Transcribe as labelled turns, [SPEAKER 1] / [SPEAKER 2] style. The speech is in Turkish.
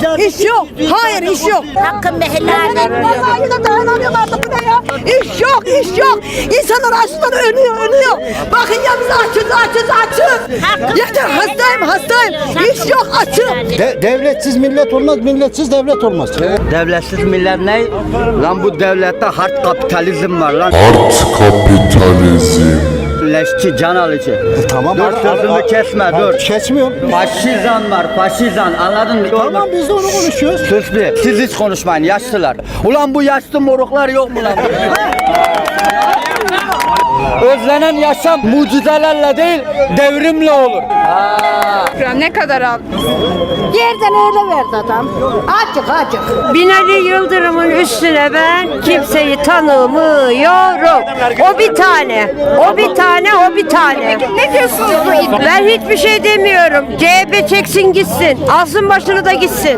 [SPEAKER 1] İş yok. Hayır iş yok.
[SPEAKER 2] Hakkın mehillerde.
[SPEAKER 1] Vallahi da dayanamıyorum artık bu ne ya? İş yok, iş yok. İnsanlar açlıktan ölüyor. Bakın ya biz açız. Yeter hastayım. İş yok, açım.
[SPEAKER 3] Devletsiz millet olmaz, milletsiz devlet olmaz.
[SPEAKER 4] Devletsiz millet ne? Lan bu devlette hard kapitalizm var lan.
[SPEAKER 5] Art kapitalizm.
[SPEAKER 4] Leşçi, can alıcı.
[SPEAKER 3] Tamam.
[SPEAKER 4] Dur sözümü kesme dur.
[SPEAKER 3] Kesmiyorum.
[SPEAKER 4] Faşizan var, faşizan, anladın mı?
[SPEAKER 3] Tamam biz de onu konuşuyoruz.
[SPEAKER 4] Sus bir, siz hiç konuşmayın yaşlılar. Ulan bu yaşlı moruklar yok mu lan? Özlenen yaşam mucizelerle değil, devrimle olur.
[SPEAKER 6] Ne kadar al?
[SPEAKER 1] Yerden öyle verdi adam. Açık.
[SPEAKER 7] Binali Yıldırım'ın üstüne ben kimseyi tanımıyorum. O bir tane.
[SPEAKER 6] Ne diyorsunuz bu iddia?
[SPEAKER 7] Ben hiçbir şey demiyorum. CHP çeksin gitsin. Alsın başını da gitsin.